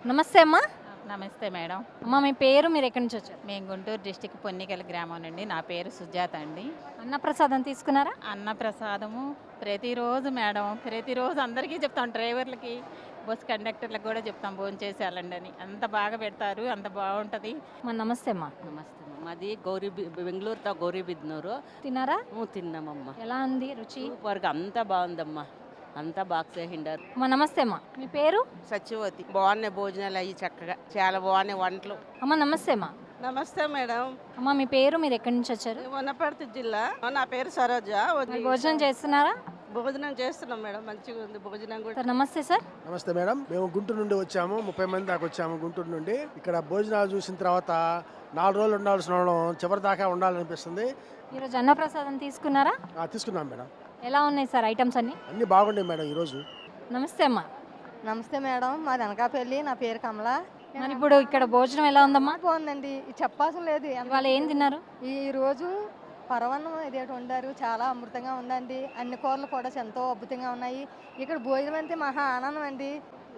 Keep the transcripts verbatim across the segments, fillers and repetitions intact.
నమస్తే అమ్మా. నమస్తే మేడం. అమ్మ మీ పేరు, మీరు ఎక్కడి నుంచి వచ్చారు? మేము గుంటూరు డిస్టిక్ పొన్నికల గ్రామం నుండి. నా పేరు సుజాత అండి. అన్నప్రసాదం తీసుకున్నారా? అన్న ప్రసాదము ప్రతిరోజు మేడం, ప్రతిరోజు అందరికీ చెప్తాం, డ్రైవర్లకి, బస్ కండక్టర్లకు కూడా చెప్తాం భోజనం చేసి వెళ్ళండి అని. అంత బాగా పెడతారు, అంత బాగుంటుంది. అమ్మా నమస్తే అమ్మా. నమస్తే అమ్మ. మాది గౌరీ బెంగళూరుతో గౌరీబిద్నూరు. తిన్నారా? తిన్నామమ్మా. ఎలా ఉంది రుచి? సూపర్గా అంతా బాగుందమ్మా, అంతా బాగా చేసిండారు. అమ్మా నమస్తే అమ్మా. మీ పేరు? సత్యవతి. బాగున్నాయి భోజనాలు అయ్యి చక్కగా, చాలా బాగున్నాయి వంటలు. అమ్మ నమస్తే అమ్మా. నమస్తే మేడం. అమ్మ మీ పేరు, మీరు ఎక్కడి నుంచి వచ్చారు? వనపర్తి జిల్లా. నా పేరు సరోజ. మరి భోజనం చేస్తున్నారా? భోజనం చేస్తున్నాం మేడం, మంచిగా ఉంది భోజనం కూడా. సార్ నమస్తే సార్. నమస్తే మేడం. మేము గుంటూరు నుండి వచ్చాము, ముప్పై మంది దాకా వచ్చాము గుంటూరు నుండి. ఇక్కడ భోజనాలు చూసిన తర్వాత నాలుగు రోజులు ఉండాల్సిన వాళ్ళం చివరి దాకా ఉండాలనిపిస్తుంది. ఈరోజు అన్నప్రసాదం తీసుకున్నారా? ఆ, తీసుకున్నాం మేడం. ఎలా ఉన్నాయి సార్ ఐటమ్స్ అన్ని? అన్ని బాగున్నాయి మేడం ఈరోజు. నమస్తే అమ్మా. నమస్తే మేడం, మాది అనకాపల్లి. నా పేరు కమల. మరి ఇప్పుడు ఇక్కడ భోజనం ఎలా ఉందమ్మా? బాగుందండి, చెప్పాల్సిన లేదు. ఇవాళ ఏం తిన్నారు? ఈ రోజు పరవన్నం ఇదేటి వండారు, చాలా అమృతంగా ఉందండి. అన్ని కూరలు కూడా ఎంతో అద్భుతంగా ఉన్నాయి. ఇక్కడ భోజనం అంటే మహా ఆనందం అండి.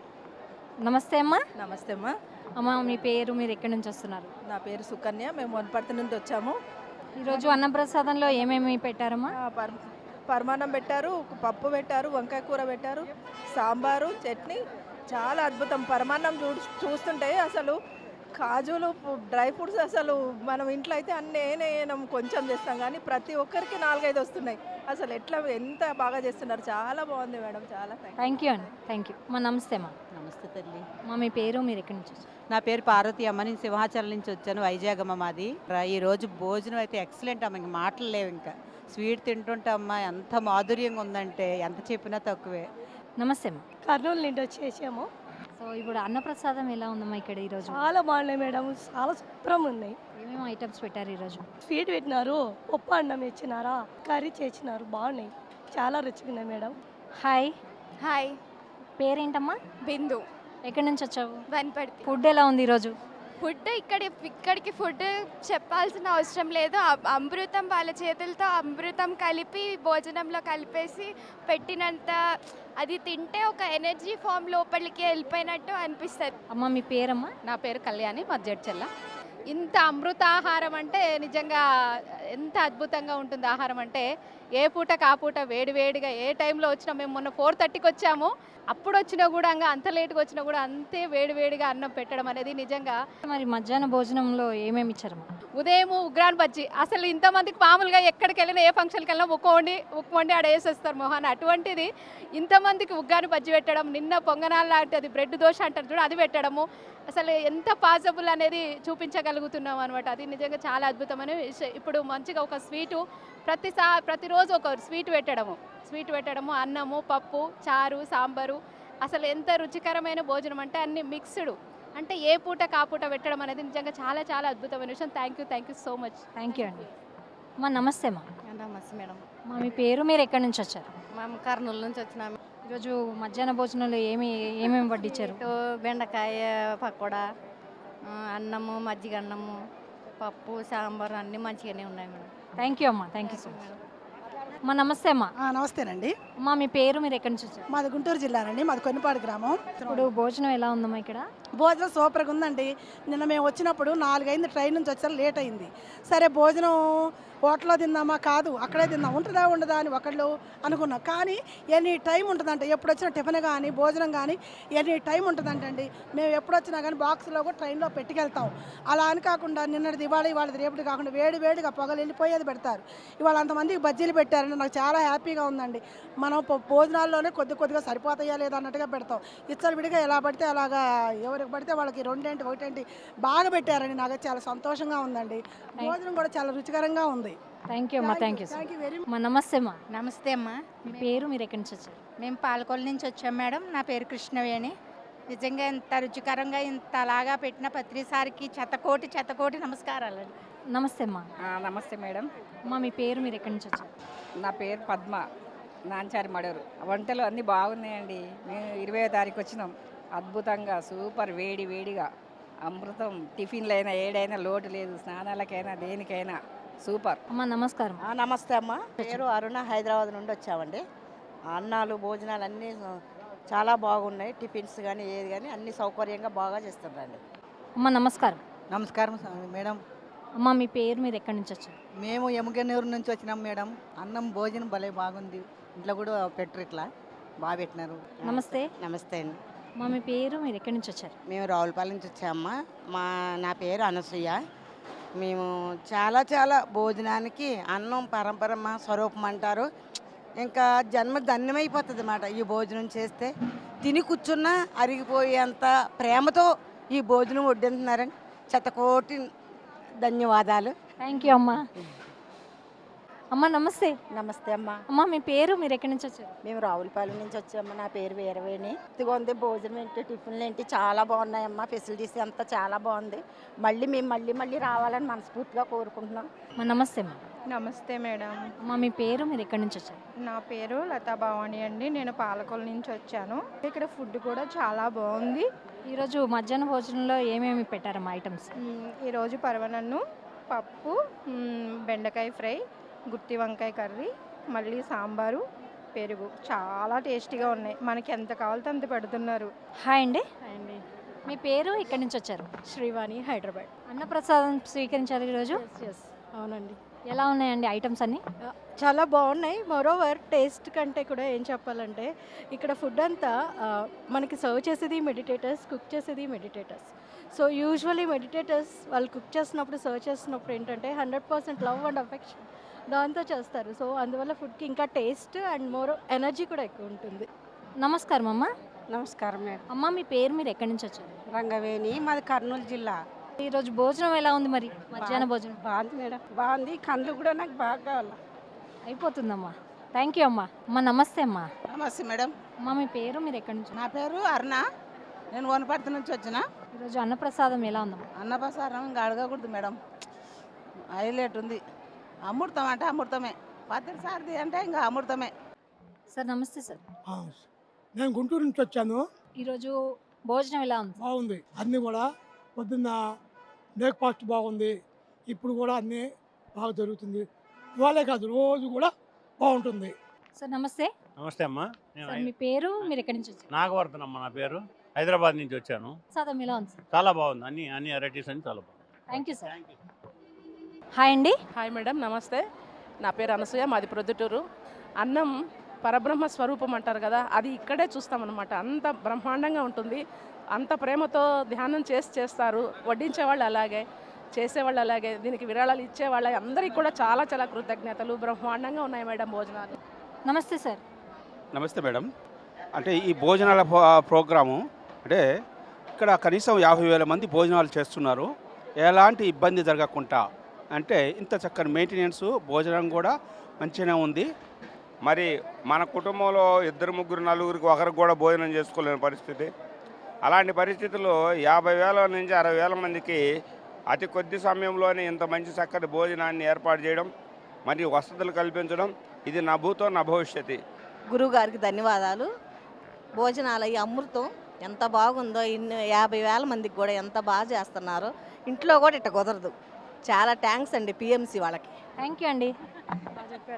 నమస్తే అమ్మా. నమస్తే అమ్మా. అమ్మ మీ పేరు, మీరు ఎక్కడి నుంచి వస్తున్నారు? నా పేరు సుకన్య. మేము వనపర్తి నుండి వచ్చాము. ఈరోజు అన్నప్రసాదంలో ఏమేమి పెట్టారమ్మా? ఆ, పర్ పరమాన్నం పెట్టారు, పప్పు పెట్టారు, వంకాయ కూర పెట్టారు, సాంబారు, చట్నీ. చాలా అద్భుతం. పరమాన్నం చూ చూస్తుంటే అసలు కాజులు, డ్రై ఫ్రూట్స్, అసలు మనం ఇంట్లో అయితే అన్నీ వేయనం, కొంచెం చేస్తాం, కానీ ప్రతి ఒక్కరికి నాలుగైదు వస్తున్నాయి. అసలు ఎట్లా, ఎంత బాగా చేస్తున్నారు. చాలా బాగుంది మేడం, చాలా థ్యాంక్ యూ అండి. థ్యాంక్ యూ అమ్మా. నమస్తే అమ్మా. నమస్తే తల్లి. అమ్మా మీ పేరు, మీరు ఎక్కడి నుంచి వచ్చారు? నా పేరు పార్వతి అమ్మ. నేను సింహాచలం నుంచి వచ్చాను, వైజాగ్ అమ్మ మాది. ఈ రోజు భోజనం అయితే ఎక్సలెంట్ అమ్మ, ఇంక మాటలు లేవు. ఇంకా స్వీట్ తింటుంటే అమ్మ ఎంత మాధుర్యంగా ఉందంటే ఎంత చెప్పినా తక్కువే. నమస్తే అమ్మా. కర్నూలు నుండి వచ్చేసాము. సో ఇప్పుడు అన్నప్రసాదం ఎలా ఉందమ్మా ఇక్కడ ఈరోజు? చాలా బాగున్నాయి మేడం, చాలా శుభ్రంగా ఉన్నాయి. ఏమేమి ఐటమ్స్ పెట్టారు ఈరోజు? స్వీట్ పెట్టినారు, పప్పు అన్నం ఇచ్చినారా, కర్రీ చేసినారు, బాగున్నాయి, చాలా రుచిగా ఉన్నాయి మేడం. హాయ్. హాయ్, పేరేంటమ్మా? బిందు. ఎక్కడి నుంచి వచ్చావు? వనపర్తి. ఫుడ్ ఎలా ఉంది ఈరోజు? ఫుడ్ ఇక్కడ ఇక్కడికి ఫుడ్ చెప్పాల్సిన అవసరం లేదు. అ- అమృతం, వాళ్ళ చేతులతో అమృతం కలిపి భోజనంలో కలిపేసి పెట్టినంత, అది తింటే ఒక ఎనర్జీ ఫామ్ లోపలికి వెళ్ళిపోయినట్టు అనిపిస్తుంది. అమ్మ మీ పేరమ్మా? నా పేరు కళ్యాణి, మా జడ్చెల్ల. ఇంత అమృతాహారం అంటే నిజంగా ఎంత అద్భుతంగా ఉంటుంది ఆహారం అంటే. ఏ పూటకు ఆ పూట వేడి వేడిగా, ఏ టైంలో వచ్చినా, మేము మొన్న ఫోర్ థర్టీకి వచ్చాము, అప్పుడు వచ్చినా కూడా ఇంకా అంత లేట్గా వచ్చినా కూడా అంతే వేడి వేడిగా అన్నం పెట్టడం అనేది నిజంగా. మరి మధ్యాహ్న భోజనంలో ఏమేమి ఇచ్చారమ్మా? ఉదయం ఉగ్రాన్ బజ్జీ. అసలు ఇంతమందికి మామూలుగా ఎక్కడికి వెళ్ళినా, ఏ ఫంక్షన్కి వెళ్ళినా ఉక్క వండి ఉక్క వండి ఆడ వేసేస్తారు మొహాన్ని. అటువంటిది ఇంతమందికి ఉగ్గాని బజ్జీ పెట్టడం, నిన్న పొంగనాలు లాంటి అది బ్రెడ్ దోశ అంటారు చూడ, అది పెట్టడము. అసలు ఎంత పాసిబుల్ అనేది చూపించగలుగుతున్నాం అనమాట. అది నిజంగా చాలా అద్భుతమైన విషయం. ఇప్పుడు మంచిగా ఒక స్వీటు ప్రతిసా ప్రతిరోజు ఒక స్వీట్ పెట్టడము స్వీట్ పెట్టడము అన్నము, పప్పు, చారు, సాంబారు. అసలు ఎంత రుచికరమైన భోజనం అంటే అన్ని మిక్స్డ్, అంటే ఏ పూట కాపూట పెట్టడం అనేది నిజంగా చాలా చాలా అద్భుతమైన విషయం. Thank you thank you so much. Thank you అండి. అమ్మా నమస్తే అమ్మా. నమస్తే మేడం. అమ్మా మీ పేరు, మీరు ఎక్కడి నుంచి వచ్చారు? మేము కర్నూలు నుంచి వచ్చినాము. ఈరోజు మధ్యాహ్న భోజనంలో ఏమి ఏమేమి వడ్డించారు? ఇటు బెండకాయ పకోడా, ఆ, అన్నము, మజ్జిగ అన్నము, పప్పు, సాంబార్ అన్నీ మంచిగానే ఉన్నాయి మేడం. థ్యాంక్ యూ అమ్మా. Thank you so much. అమ్మా నమస్తే అమ్మా. నమస్తేనండి. అమ్మా మీ పేరు, మీరు ఎక్కడి నుంచి వచ్చారు? మాది గుంటూరు జిల్లానండి, మాది కొన్నిపాడు గ్రామం. ఇప్పుడు భోజనం ఎలా ఉందమ్మా ఇక్కడ? భోజనం సూపర్గా ఉందండి. నిన్న మేము వచ్చినప్పుడు నాలుగైంది, ట్రైన్ నుంచి వచ్చారు, లేట్ అయింది. సరే భోజనం హోటల్లో తిందామా, కాదు అక్కడే తిందాం, ఉంటుందా ఉండదా అని ఒకళ్ళు అనుకున్నాం. కానీ ఎనీ టైం ఉంటుందంట, ఎప్పుడు వచ్చినా టిఫిన్ కానీ భోజనం కానీ ఎనీ టైం ఉంటుందంటండి. మేము ఎప్పుడు వచ్చినా కానీ బాక్స్లో కూడా ట్రైన్లో పెట్టుకెళ్తాం. అలా అని కాకుండా నిన్నటిది ఇవాళ, ఇవాళది రేపటి కాకుండా వేడి వేడిగా పొగలు వెళ్ళిపోయేది పెడతారు. ఇవాళ అంతమందికి బజ్జీలు పెట్టారండి, నాకు చాలా హ్యాపీగా ఉందండి. మనం భో- భోజనాల్లోనే కొద్ది కొద్దిగా సరిపోతాయా లేదా అన్నట్టుగా పెడతాం. ఇచ్చలు విడిగా ఎలా పడితే అలాగా ఎవరికి పడితే వాళ్ళకి రెండేంటి ఒకటేంటి బాగా పెట్టారండి. నాకు చాలా సంతోషంగా ఉందండి. భోజనం కూడా చాలా రుచికరంగా ఉంది. థ్యాంక్ యూ అమ్మా. Thank you thank you very much. అమ్మా నమస్తే అమ్మా. నమస్తే అమ్మా. మీ పేరు, మీరు ఎక్కడి నుంచి వచ్చారు? మేము పాలకొల్లు నుంచి వచ్చాం మేడం. నా పేరు కృష్ణవేణి. నిజంగా ఇంత రుచికరంగా ఇంతలాగా పెట్టిన ప్రతిసారికి చెత్తకోటి చెత్తకోటి నమస్కారాలు. నమస్తే అమ్మా. నమస్తే మేడం. అమ్మా మీ పేరు, మీరు ఎక్కడి నుంచి వచ్చారు? నా పేరు పద్మ, నాంచారి మడూరు. వంటలు అన్నీ బాగున్నాయండి. మేము ఇరవై తారీఖు వచ్చినాం. అద్భుతంగా సూపర్, వేడి వేడిగా అమృతం. టిఫిన్లైనా ఏడైనా లోటు లేదు, స్నానాలకైనా దేనికైనా సూపర్. అమ్మా నమస్కారం. నమస్తే అమ్మ. పేరు అరుణ, హైదరాబాద్ నుండి వచ్చామండి. అన్నాలు భోజనాలు అన్నీ చాలా బాగున్నాయి. టిఫిన్స్ కానీ ఏది కానీ అన్ని సౌకర్యంగా బాగా చేస్తున్నారండి. అమ్మ నమస్కారం. నమస్కారం మేడం. అమ్మ మీ పేరు, మీరు ఎక్కడి నుంచి వచ్చారు? మేము ఎముకనూరు నుంచి వచ్చినాం మేడం. అన్నం భోజనం భలే బాగుంది. ఇంట్లో కూడా పెట్టరు, ఇట్లా బాగా పెట్టినారు. నమస్తే. నమస్తే అండి. అమ్మ మీ పేరు, మీరు ఎక్కడి నుంచి వచ్చారు? మేము రావులపాలెం నుంచి వచ్చామమ్మా. మా నా పేరు అనసూయ. మేము చాలా చాలా భోజనానికి అన్నం పరంపరమ్మ స్వరూపం అంటారు. ఇంకా జన్మ ధన్యమైపోతుంది అన్నమాట ఈ భోజనం చేస్తే. తిని కూర్చున్నా అరిగిపోయేంత ప్రేమతో ఈ భోజనం వడ్డింటున్నారని శతకోటి ధన్యవాదాలు. థ్యాంక్ యూ అమ్మ. అమ్మ నమస్తే. నమస్తే అమ్మ. అమ్మ మీ పేరు, మీరు ఎక్కడి నుంచి వచ్చారు? మేము రావులపాలెం నుంచి వచ్చాము. నా పేరు వీరవేణి. ఇదిగోంది భోజనం ఏంటి, టిఫిన్లు ఏంటి చాలా బాగున్నాయమ్మా. ఫెసిలిటీస్ అంతా చాలా బాగుంది. మళ్ళీ మేము మళ్ళీ మళ్ళీ రావాలని మనస్ఫూర్తిగా కోరుకుంటున్నాం. అమ్మ నమస్తే అమ్మ. నమస్తే మేడం. అమ్మ మీ పేరు, మీరు ఎక్కడి నుంచి వచ్చారు? నా పేరు లతా భవాని అండి. నేను పాలకొల నుంచి వచ్చాను. ఇక్కడ ఫుడ్ కూడా చాలా బాగుంది. ఈరోజు మధ్యాహ్న భోజనంలో ఏమేమి పెట్టారమ్మా ఐటమ్స్? మ్, ఈరోజు పరవనన్ను, పప్పు, మ్, బెండకాయ ఫ్రై, గుత్తి వంకాయ కర్రీ, మళ్ళీ సాంబారు, పెరుగు చాలా టేస్టీగా ఉన్నాయి. మనకి ఎంత కావాలో అంత పెడుతున్నారు. హాయ్ అండి. అండి మీ పేరు, ఎక్కడి నుంచి వచ్చారు? శ్రీవాణి, హైదరాబాద్. అన్నప్రసాదం స్వీకరించారు ఈరోజు. ఎస్ అవునండి. ఎలా ఉన్నాయండి ఐటమ్స్ అన్నీ? చాలా బాగున్నాయి. మోరోవర్ టేస్ట్ కంటే కూడా ఏం చెప్పాలంటే ఇక్కడ ఫుడ్ అంతా ఆ, మనకి సర్వ్ చేసేది మెడిటేటర్స్, కుక్ చేసేది మెడిటేటర్స్. సో యూజువలీ మెడిటేటర్స్ వాళ్ళు కుక్ చేసినప్పుడు, సర్వ్ చేసినప్పుడు ఏంటంటే hundred percent love and affection దాంతో చేస్తారు. సో అందువల్ల ఫుడ్కి ఇంకా టేస్ట్ అండ్ మోర్ ఎనర్జీ కూడా ఎక్కువ ఉంటుంది. నమస్కారం అమ్మ. నమస్కారం మేడం. అమ్మ మీ పేరు, మీరు ఎక్కడి నుంచి వచ్చారు? రంగవేణి, మాది కర్నూలు జిల్లా. ఈరోజు భోజనం ఎలా ఉంది మరి? మధ్యాహ్న భోజనం బాగుంది మేడం, బాగుంది. కళ్ళు కూడా నాకు బాగా కావాలి. అయిపోతుందమ్మా. థ్యాంక్ యూ అమ్మా. అమ్మ నమస్తే అమ్మా. నమస్తే మేడం. అమ్మ మీ పేరు, మీరు ఎక్కడి నుంచి? నా పేరు అరుణ. నేను వనపర్తి నుంచి వచ్చిన. ఈరోజు అన్నప్రసాదం ఎలా ఉందమ్మా? అన్నప్రసారం ఇంకా అడగకూడదు మేడం, హైలైట్ ఉంది. అమృతం అంటే అమృతమే, పత్తిరి సారది అంటే ఇంకా అమృతమే. సార్ నమస్తే సార్. నేను గుంటూరు నుంచి వచ్చాను. ఈరోజు భోజనం ఎలా ఉంది? బాగుంది. అన్నీ కూడా పొద్దున్న బ్రేక్ఫాస్ట్ బాగుంది. ఇప్పుడు కూడా అన్నీ బాగా జరుగుతుంది. ఇవాళే కాదు, రోజు కూడా బాగుంటుంది. సార్ నమస్తే. నమస్తే అమ్మా. నేను సార్ మీ పేరు, మీరు ఎక్కడి నుంచి వచ్చారు? నాగవర్ధన్ అమ్మ నా పేరు. హైదరాబాద్ నుంచి వచ్చాను. ప్రసాదం ఎలా ఉంది సార్? చాలా బాగుంది. అన్ని అన్ని వెరైటీస్ అన్ని చాలా బాగుంది. Thank you sir. హాయ్ అండి. హాయ్ మేడం, నమస్తే. నా పేరు అనసూయ, మాది ప్రొద్దుటూరు. అన్నం పరబ్రహ్మ స్వరూపం అంటారు కదా, అది ఇక్కడే చూస్తామన్నమాట. అంత బ్రహ్మాండంగా ఉంటుంది. అంత ప్రేమతో ధ్యానం చేసి చేస్తారు. వడ్డించేవాళ్ళు అలాగే, చేసేవాళ్ళు అలాగే, దీనికి విరాళాలు ఇచ్చేవాళ్ళు అందరికీ కూడా చాలా చాలా కృతజ్ఞతలు. బ్రహ్మాండంగా ఉన్నాయి మేడం భోజనాలు. నమస్తే సార్. నమస్తే మేడం. అంటే ఈ భోజనాల ప్రోగ్రాము అంటే ఇక్కడ కనీసం యాభై వేల మంది భోజనాలు చేస్తున్నారు. ఎలాంటి ఇబ్బంది జరగకుండా, అంటే ఇంత చక్కని మెయింటెనెన్స్, భోజనం కూడా మంచిగానే ఉంది. మరి మన కుటుంబంలో ఇద్దరు ముగ్గురు నలుగురికి ఒకరికి కూడా భోజనం చేసుకోలేని పరిస్థితి. అలాంటి పరిస్థితుల్లో యాభై వేల నుంచి అరవై వేల మందికి అతి కొద్ది సమయంలోనే ఇంత మంచి చక్కటి భోజనాన్ని ఏర్పాటు చేయడం, మరియు వసతులు కల్పించడం, ఇది నా భూతో నా భవిష్యత్తు. గురువు గారికి ధన్యవాదాలు. భోజనాలు ఈ అమృతం ఎంత బాగుందో. ఇన్ని యాభై వేల మందికి కూడా ఎంత బాగా చేస్తున్నారు. ఇంట్లో కూడా ఇట్ట కుదరదు. చాలా థ్యాంక్స్ అండి పిఎంసి వాళ్ళకి. థ్యాంక్ యూ అండి.